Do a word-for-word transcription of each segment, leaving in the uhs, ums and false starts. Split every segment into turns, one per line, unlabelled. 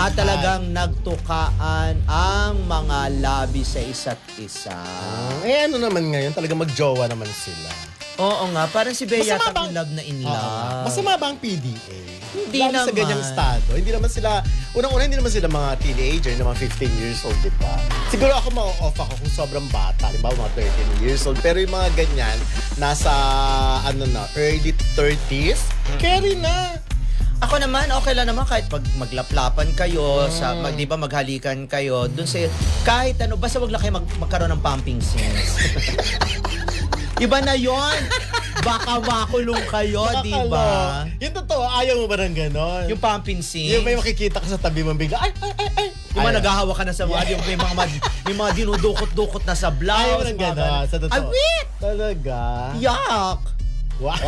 At talagang nagtukaan ang mga labi sa isa't isa.
Oh, eh ano naman ngayon, talaga magjowa naman sila.
Oo nga, parang si Bea
Masama
yata
bang-
in love na in
Oo.
love.
Masama ba ang P D A?
Hindi
Lalo sa
naman.
ganyang estado. Hindi naman sila, unang-una hindi naman sila mga teenager, na mga fifteen years old, di ba? Siguro ako ma-off ako kung sobrang bata, halimbawa mga thirteen years old. Pero yung mga ganyan, nasa ano na, early thirties, carry na.
Ako naman, okay lang naman kahit pag maglaplapan kayo, sa, mag, di ba, maghalikan kayo, dun sa, kahit ano, basta wag lang kayo mag, magkaroon ng pumping scenes. Iba na yon. Baka makulong kayo, di ba?
Nakakalo. Yung totoo, ayaw mo ba ng ganon?
Yung pumping scene.
Yung may makikita ka sa tabi mo bigla, ay, ay, ay, ay.
Yung mga
Ayaw.
naghahawa ka na sa mga, yung may mga, mad- may mga dinudukot-dukot na sa blouse.
Ayaw mo ng
mga
ganon, sa totoo.
Awit!
Talaga?
Yuck!
Wow.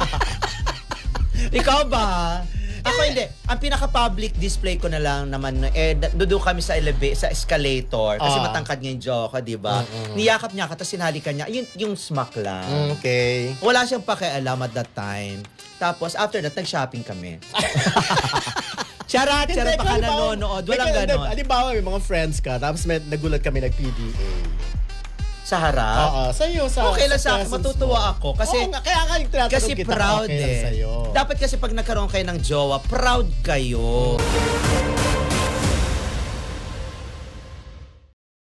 Ikaw ba? Ako hindi. Ang pinaka-public display ko na lang naman, eh, doon kami sa eleva- sa escalator. Kasi
Ah.
matangkad nga yung Joko, di ba? Niyakap niya ka, tapos sinalikan niya. Yung, yung smack lang.
Okay.
Wala siyang pakialam at that time. Tapos, after that, nag-shopping kami. Charat, charat, baka nanonood. Walang ganon.
Halimbawa, may mga friends ka, tapos may, nagulat kami nag-P D A.
Sa harap.
Oo, sa'yo, sa
Okay lang sa
presence
matutuwa
mo.
ako. Kasi,
Oo nga, kaya nga yung tinatanong
kasi
kita,
proud
okay lang
eh.
sa'yo.
Dapat kasi pag nagkaroon kayo ng jowa, proud kayo.